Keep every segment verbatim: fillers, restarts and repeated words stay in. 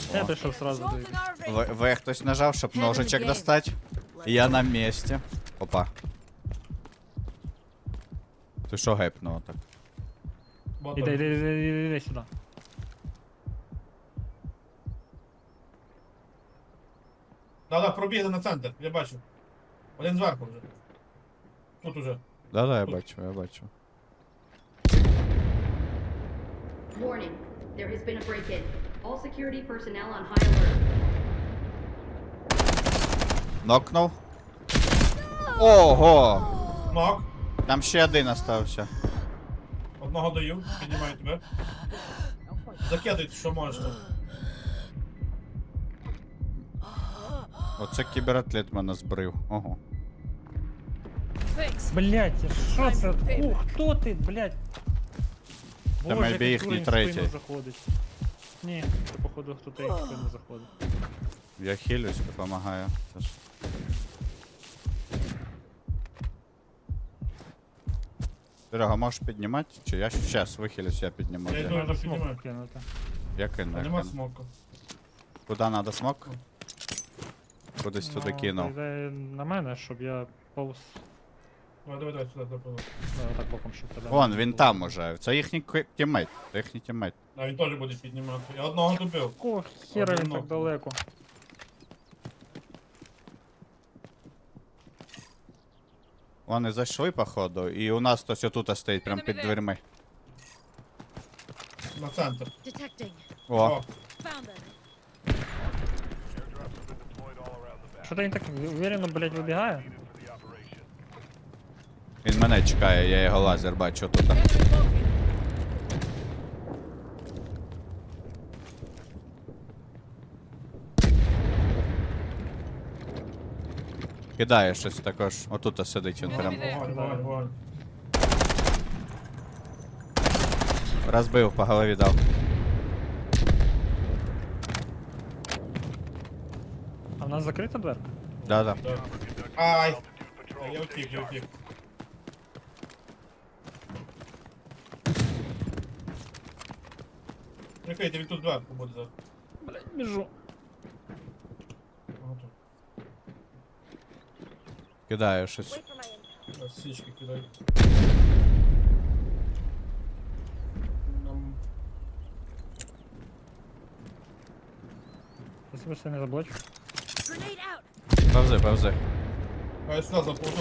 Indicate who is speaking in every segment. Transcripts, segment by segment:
Speaker 1: Я прийшов сразу до їх.
Speaker 2: В, в хтось нажав, щоб ножичок достати. Я на місці. Опа. Ти що гепнуло так?
Speaker 3: Ботом.
Speaker 1: Іди, іди, іди, іди, іди сюди.
Speaker 3: Да-да, пробігли на центр, я бачу. Один зверху вже. Тут уже.
Speaker 2: Да-да, я бачу, я бачу.
Speaker 4: Warning, there has been a break-in. All security personnel on high alert.
Speaker 2: Нокнув. Ого!
Speaker 3: Нок.
Speaker 2: Там ще один остався.
Speaker 3: Одного даю, піднімаю тебе. Закидуй, що можеш тут.
Speaker 2: Оце кібератлет мене збрив. Ого.
Speaker 1: Блять, що це? О, хто ти, блять?
Speaker 2: Та maybe їхній третій.
Speaker 1: Заходить. Ні, це походу хто-то їх в спину заходить.
Speaker 2: Я хилюсь, допомагаю. Це ж- Серега, можеш піднімати? Чи я щас вихилюсь, я підніму.
Speaker 3: Я
Speaker 2: Я,
Speaker 3: йду.
Speaker 1: Треба
Speaker 3: піднімаю.
Speaker 1: смок кинути.
Speaker 2: я кину,
Speaker 3: А
Speaker 2: я
Speaker 3: нема
Speaker 2: кину.
Speaker 3: смоку.
Speaker 2: Куди треба смок? Кудись туди
Speaker 1: Ну,
Speaker 2: кинув.
Speaker 1: йде на мене, щоб я повз.
Speaker 3: Давай, давай, давай, сюди запливу.
Speaker 1: Давай так боком, щоб тебе.
Speaker 2: Вон,
Speaker 1: не
Speaker 2: він
Speaker 1: було.
Speaker 2: там уже. Це їхній ки- тіммейт. Це їхній тіммейт.
Speaker 3: А він теж буде піднімати. Я одного добив.
Speaker 1: О, хера він
Speaker 3: Одинок.
Speaker 1: так далеко.
Speaker 2: Вони зайшли, походу, і у нас хтось отут стоїть, прям під дверми.
Speaker 3: На центр.
Speaker 5: Detecting.
Speaker 2: О,
Speaker 3: О,
Speaker 5: Found them.
Speaker 1: Що то він так уверенно, блять, вибігає?
Speaker 2: він мене чекає, я його лазер бачу тут. Кидає щось також. Отут сидить він прям.
Speaker 3: вогонь, вогонь, вогонь.
Speaker 2: Розбив, по голові дав.
Speaker 1: А в нас закрита дверка?
Speaker 2: Да-да.
Speaker 3: Так. Ай! Та Я втік, я втік. Прикрийте, він тут зверху буде зараз.
Speaker 1: Блять, біжу.
Speaker 3: Ага, тут.
Speaker 2: Кидає щось.
Speaker 3: Ось Січки кидай. Нам...
Speaker 1: Спасибо, що не заблочив.
Speaker 5: Grenade out.
Speaker 2: Повзи, повзи.
Speaker 3: А я сюди заповзу.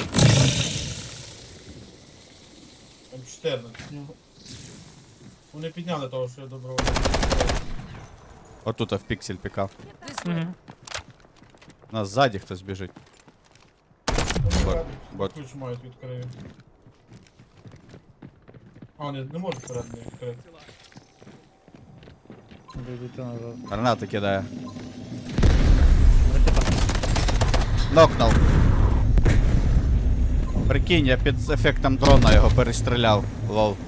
Speaker 3: М чотирнадцять. Вони підняли того, що я добро.
Speaker 2: Отут в піксель пікав.
Speaker 5: This way.
Speaker 1: Угу.
Speaker 2: У нас ззаді хтось біжить. Бот, бот.
Speaker 3: Ключ мають відкрити. А, вони не можуть всередині відкрити.
Speaker 1: Дійдете назад.
Speaker 2: Гранати кидає.
Speaker 1: Ракета.
Speaker 2: Нокнув. Прикинь, я під ефектом дрона його перестріляв. Лол.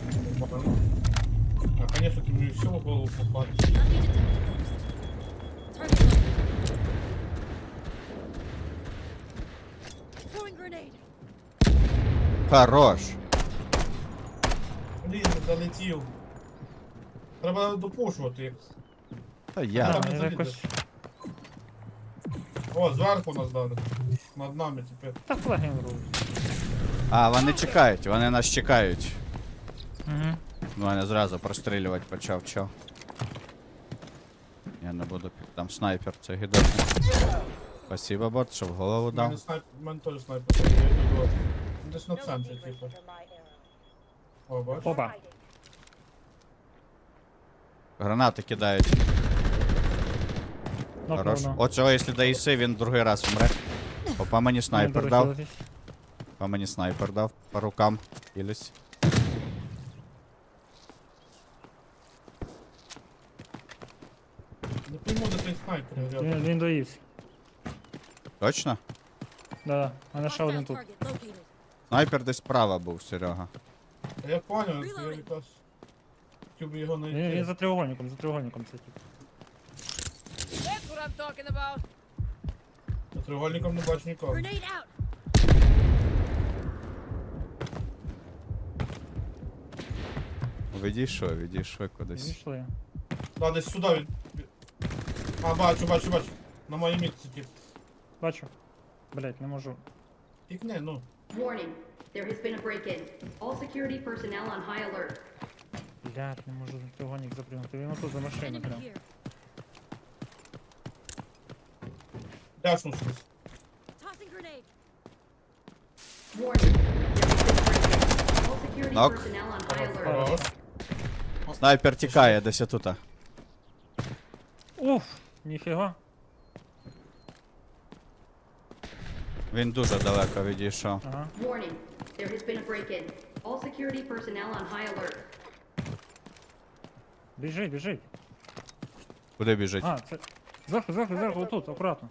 Speaker 3: А, конечно, ти мені все в голову попадеш.
Speaker 5: Let me detect the ghost. Target located. Throwing grenade.
Speaker 2: Хорош.
Speaker 3: Блін, не залетів. Треба допушувати їх.
Speaker 2: Та я.
Speaker 3: Там
Speaker 1: Да,
Speaker 3: не
Speaker 1: я
Speaker 3: залізе.
Speaker 1: якось...
Speaker 3: О, зверху нас дали. Над нами тепер.
Speaker 1: Та флаги робить.
Speaker 2: А, вони чекають, вони нас чекають.
Speaker 1: Угу.
Speaker 2: Ну, мене зразу прострілювати почав, чо. Я не буду, пі- там снайпер, це гідотний. Спасибо, бот, що в голову
Speaker 3: У мене
Speaker 2: дав.
Speaker 3: снайп... у мене теж снайпер. Я йду до вас. Десь на центрі, типу. О, бачиш?
Speaker 1: Опа.
Speaker 2: Гранати кидають. Хорош.
Speaker 1: Нокнув.
Speaker 2: От цього, якщо даїси, він другий раз вмре. Опа, мені снайпер дав. Опа, мені снайпер дав. По рукам. Ілюсь.
Speaker 3: Не пойму, де той снайпер.
Speaker 1: Він,
Speaker 3: рядом.
Speaker 1: він доївся.
Speaker 2: Точно?
Speaker 1: Да, а мене ще один
Speaker 5: Hostile
Speaker 1: тут.
Speaker 5: target located.
Speaker 2: Снайпер десь справа був, Серега.
Speaker 3: Та я понял, я якраз хотів би його
Speaker 1: Він, він
Speaker 3: знайти.
Speaker 1: за треугольником, за треугольником це тип.
Speaker 6: That's what I'm talking about.
Speaker 3: За треугольником не бачу нікого.
Speaker 5: Grenade out.
Speaker 2: Відійшов, відійшов кудись.
Speaker 1: Відійшли.
Speaker 3: Да, десь сюди від... від- А, бачу, бачу, бачу. На моїй мітці тип.
Speaker 1: Бачу. Блять, не можу.
Speaker 3: Пікни, ну.
Speaker 4: Warning, there has been a break-in. All security personnel on high alert.
Speaker 1: Блять, не можу на треугольник запрыгнути. Він отут за машину
Speaker 5: Enemy
Speaker 1: прям.
Speaker 5: here.
Speaker 3: Дашнувся.
Speaker 5: Tossing grenade.
Speaker 4: Warning, there has been a break-in. All security
Speaker 2: Knock.
Speaker 4: personnel on high alert.
Speaker 3: Хорош.
Speaker 2: Снайпер тікає десь отута.
Speaker 1: Уф, ніфіга.
Speaker 2: Він дуже далеко відійшов.
Speaker 1: Ага.
Speaker 4: Warning, there has been a break-in. All security personnel on high alert.
Speaker 1: Біжить, біжить.
Speaker 2: Куди біжить?
Speaker 1: А, це... Зверху, зверху, зверху, отут, акуратно.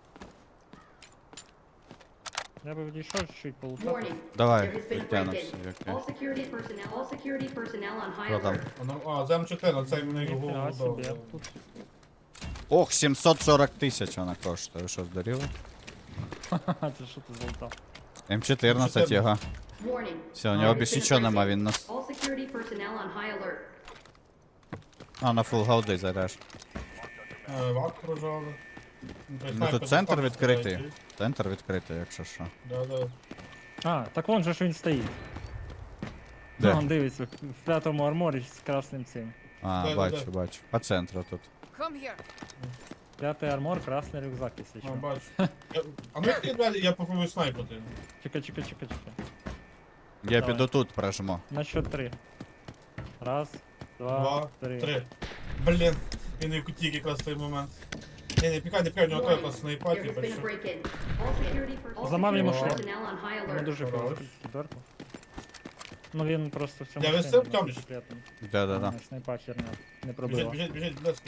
Speaker 1: Я би відійшов чуть-чуть полутати.
Speaker 4: Warning,
Speaker 2: Давай,
Speaker 4: there has been a
Speaker 2: підтягнемося,
Speaker 4: break-in.
Speaker 2: окей.
Speaker 4: All security personnel, all security personnel on high
Speaker 2: Хто там?
Speaker 4: alert.
Speaker 3: А, ну, а, зем чотири, цей мені
Speaker 1: Ніфіга
Speaker 3: голову
Speaker 1: собі,
Speaker 3: дав.
Speaker 1: тут.
Speaker 2: Ох, сімсот сорок тисяч вона коштує. Ви що, здуріли?
Speaker 1: Ха-ха, це що ти золотав?
Speaker 2: М чотирнадцять його.
Speaker 4: Warning.
Speaker 2: Все, у
Speaker 4: there
Speaker 2: нього
Speaker 4: has
Speaker 2: більше
Speaker 4: been a
Speaker 2: нічого нема,
Speaker 4: break-in.
Speaker 2: він нас...
Speaker 4: All security personnel on high alert.
Speaker 2: А, на фул голди заряж.
Speaker 3: Е, Вак прожали.
Speaker 2: Ну тут центр відкритий. Центр відкритий, якщо що.
Speaker 3: Да, да.
Speaker 1: А, так вон же ж він стоїть.
Speaker 2: Де?
Speaker 1: Вон дивиться, в п'ятому арморі з красним цим.
Speaker 2: А,
Speaker 3: Да-да-да.
Speaker 2: бачу, бачу. По центру тут.
Speaker 6: Come here.
Speaker 1: П'ятий армор, красний рюкзак, якщо
Speaker 3: А,
Speaker 1: що.
Speaker 3: бачу. Я- А ну ти далі, я попробую снайпити.
Speaker 1: Чекай, чекай, чекай, чекай.
Speaker 2: Я
Speaker 1: Давай.
Speaker 2: піду тут прожму.
Speaker 1: На счет три. Раз, два,
Speaker 3: Два,
Speaker 1: три.
Speaker 3: три. Блін, він і в куті якраз в той момент. Ні, не пікай, не пікай, у нього той
Speaker 4: Warning,
Speaker 3: якраз
Speaker 4: there
Speaker 3: снайпати,
Speaker 4: has been a
Speaker 3: бачу.
Speaker 4: break-in. All security per- all
Speaker 1: Зламав йому
Speaker 4: security
Speaker 1: шлем.
Speaker 4: personnel on high
Speaker 1: Не
Speaker 4: alert.
Speaker 1: дуже
Speaker 3: Хорош.
Speaker 1: філософський підверху. Ну він просто в цьому
Speaker 3: Я
Speaker 1: шлемі,
Speaker 3: висив,
Speaker 1: ну,
Speaker 3: Тьомич?
Speaker 1: секретно.
Speaker 2: Да-да-да.
Speaker 1: Ну, Снайпа херня, не
Speaker 3: Біжить,
Speaker 1: пробила.
Speaker 3: біжить, біжить, близько.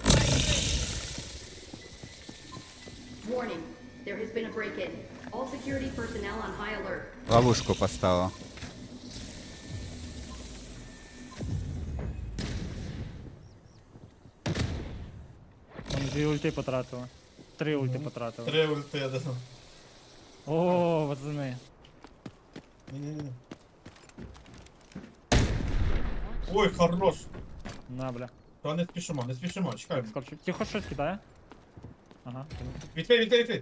Speaker 4: Warning, there has been a break-in. All security personnel on high alert.
Speaker 2: Ловушку поставив.
Speaker 1: Там дві ульти потратили. Три ульти потратили.
Speaker 3: Три ульти, я даю.
Speaker 1: О, пацани.
Speaker 3: Ні-ні-ні. Ой, хорош.
Speaker 1: На, бля.
Speaker 3: Та не спішимо, не спішимо, чекаємо.
Speaker 1: Скорчу. Тихо щось кидає? Ага.
Speaker 3: Відкрий, відкрий, відкрий.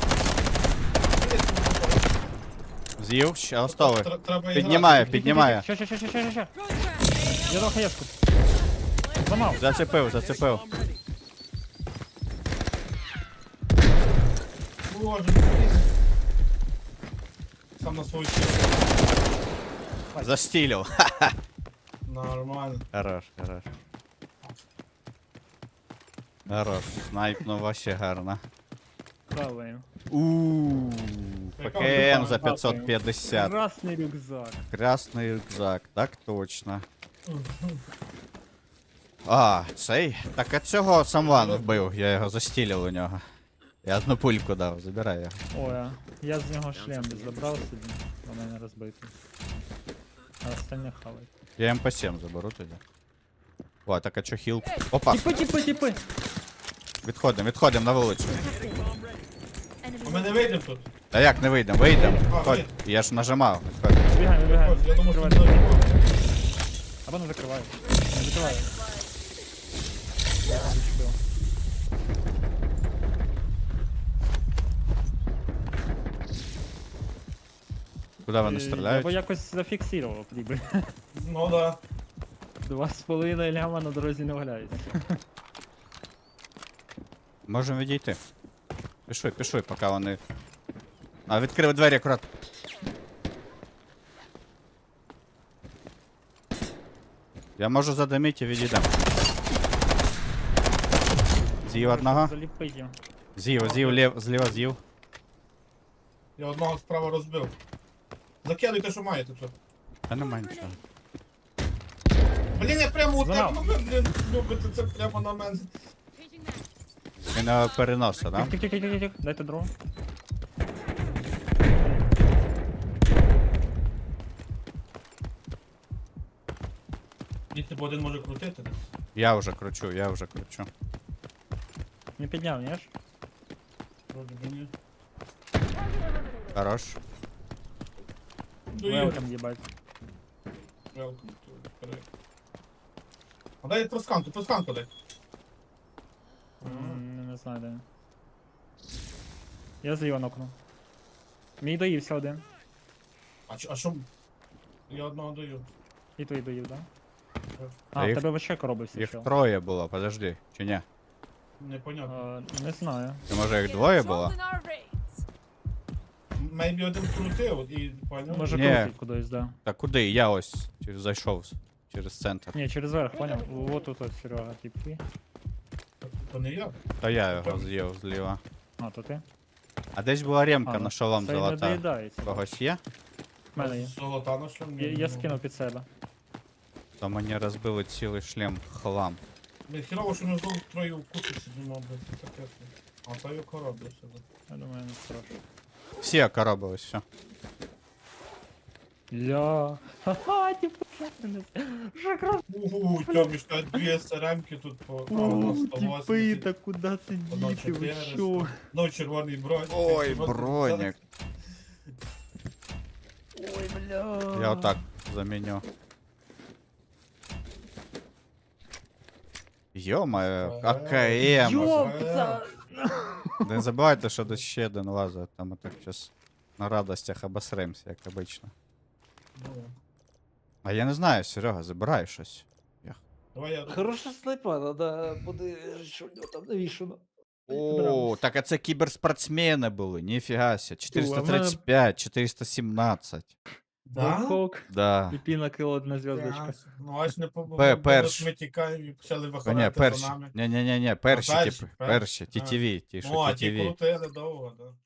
Speaker 2: З'їв, ще остовий.
Speaker 3: Тр- Треба
Speaker 2: Піднімає,
Speaker 3: іграти.
Speaker 2: піднімає.
Speaker 1: Ще, ще, ще, ще, ще, ще. Я дав хаєшку. Зламав.
Speaker 2: Зацепив, зацепив.
Speaker 3: Боже, блін. Сам на свою силу.
Speaker 2: Застілив.
Speaker 3: Нормально.
Speaker 2: Хорош, хорош. Хорош. Снайпнув вообще гарно.
Speaker 1: Хаваємо.
Speaker 2: Ууу. ПКМ за п'ятсот п'ятдесят.
Speaker 1: Красний рюкзак.
Speaker 2: Красний рюкзак, так точно. А, цей? Так а цього самван вбив, я його застілив у нього. Я одну пульку дав, забирай його.
Speaker 1: Ой, а я з нього шлем забрав собі. У мене розбитий. А остальне хавай.
Speaker 2: Я ем пі сім заберу тоді. О, так а чо хіл? Опа,
Speaker 1: Тіпи, тіпи, тіпи!
Speaker 2: відходимо, відходимо на вулицю.
Speaker 3: А
Speaker 5: Enemy.
Speaker 3: ми не вийдемо тут.
Speaker 2: Та як не вийдемо, вийдемо.
Speaker 3: А,
Speaker 2: Ходь,
Speaker 3: вийдемо.
Speaker 2: я ж нажимав. Відходь.
Speaker 1: Вибігаємо, вибігаємо.
Speaker 3: Я думав, що
Speaker 1: Закривай.
Speaker 3: не вийдемо.
Speaker 1: Або не закривай. Не закривай. Я зачепив.
Speaker 2: Куди вони
Speaker 1: Е, Я б
Speaker 2: стріляють?
Speaker 1: якось зафіксував, ніби.
Speaker 3: Ну да.
Speaker 1: Два з половиною ляма на дорозі не валяється.
Speaker 2: Можемо відійти. Пішли, пішли, поки вони. А, відкрив двері акурат. Я можу задимити і відійдемо. З'їв одного.
Speaker 1: Заліпить їм.
Speaker 2: З'їв, з'їв, лів, зліва з'їв.
Speaker 3: Я одного справа розбив. Закидуйте, що маєте тут.
Speaker 2: Та нема нічого.
Speaker 3: Блін, я прямо у тебе,
Speaker 1: Знав.
Speaker 3: ну ви, блін, любите це прямо на мене.
Speaker 5: Changing mag.
Speaker 2: Він його переносить, да?
Speaker 1: Тих, тих, тих, тих, тих. Дайте другу.
Speaker 3: Якщо б один може крутити десь.
Speaker 2: Я вже кручу, я вже кручу.
Speaker 1: Не підняв, ні ж?
Speaker 3: Вроді би ні.
Speaker 2: Хорош.
Speaker 3: Дуй,
Speaker 1: Велкам їбать.
Speaker 3: Welcome to Korea. А дай тросканку, тросканку дай.
Speaker 1: М, Не знаю, де він. Я зліва нокнув. Мій доївся один.
Speaker 3: А, чо- а що? Я одного даю.
Speaker 1: І той доїв, да?
Speaker 2: Та
Speaker 1: А, в
Speaker 2: їх-
Speaker 1: тебе вообще коробився
Speaker 2: Їх
Speaker 1: чел.
Speaker 2: троє було, подожди, чи ні?
Speaker 3: Непонятно.
Speaker 1: А, Не знаю.
Speaker 2: Чи може їх
Speaker 6: Get
Speaker 2: двоє
Speaker 6: a
Speaker 2: було?
Speaker 6: jolt in our veins.
Speaker 3: Мейбі один крутив і поняв?
Speaker 1: Може
Speaker 2: Ні.
Speaker 1: крутить кудись, да.
Speaker 2: Та куди? Я ось через- зайшов з- через центр.
Speaker 1: Ні, через верх, поняв? Вот тут ось Серега, типи.
Speaker 3: То не я.
Speaker 2: Та я його з'їв зліва.
Speaker 1: А, то ти?
Speaker 2: А десь була ремка
Speaker 1: А,
Speaker 2: на шолом
Speaker 1: це й не
Speaker 2: золота.
Speaker 1: доїдається.
Speaker 2: Когось є?
Speaker 1: В мене є.
Speaker 3: Золота на шлем.
Speaker 1: Я, я скинув під себе.
Speaker 2: То мені розбили цілий шлем хлам.
Speaker 3: Не хірово, що ми знову троє в купі сидимо, блядь, це таке. А то й коробився.
Speaker 1: Я думаю, не страшно.
Speaker 2: Всі окоробились, все.
Speaker 1: Ля. Ха-ха, типу, як мене. Вже якраз.
Speaker 3: Угу, Тьоміш, та дві СРМки тут по по
Speaker 1: Ууу,
Speaker 3: сто
Speaker 1: типи,
Speaker 3: восемьдесят.
Speaker 1: та куди
Speaker 3: Одна
Speaker 1: сидіти, ви
Speaker 3: чотириста.
Speaker 1: що?
Speaker 3: Ну, червоний бронь.
Speaker 2: Ой,
Speaker 3: червоний
Speaker 2: бронік.
Speaker 1: Ой, бля.
Speaker 2: Я отак заміню. Йо-моє, АКМ.
Speaker 1: Ёпта!
Speaker 2: Не забувайте, що десь ще один лазить, там ми так щас на радостях обосремся, як обично.
Speaker 3: Ну,
Speaker 2: А я не знаю, Серега, забирай щось.
Speaker 3: давай я...
Speaker 7: Хороша снайпа, надо буде, що в нього там навішано.
Speaker 2: О, так а це кіберспортсмени були, ніфіга ся. чотириста тридцять п'ять, чотириста сімнадцять.
Speaker 3: Да?
Speaker 1: Хок.
Speaker 2: Да.
Speaker 1: І піна кило одна зв'язочка.
Speaker 3: Так. Ну, аж не
Speaker 2: Пе-
Speaker 3: побував,
Speaker 2: перш.
Speaker 3: ми тікаємо і почали
Speaker 2: Та ні,
Speaker 3: виходити за
Speaker 2: перші.
Speaker 3: нами.
Speaker 2: Ні, ні, ні, ні, перші,
Speaker 3: перші,
Speaker 2: типу,
Speaker 3: перші.
Speaker 2: перші, ті ті ві, ті, що
Speaker 3: О, а
Speaker 2: ті ті
Speaker 3: ті
Speaker 2: ві.
Speaker 3: крутили довго, да.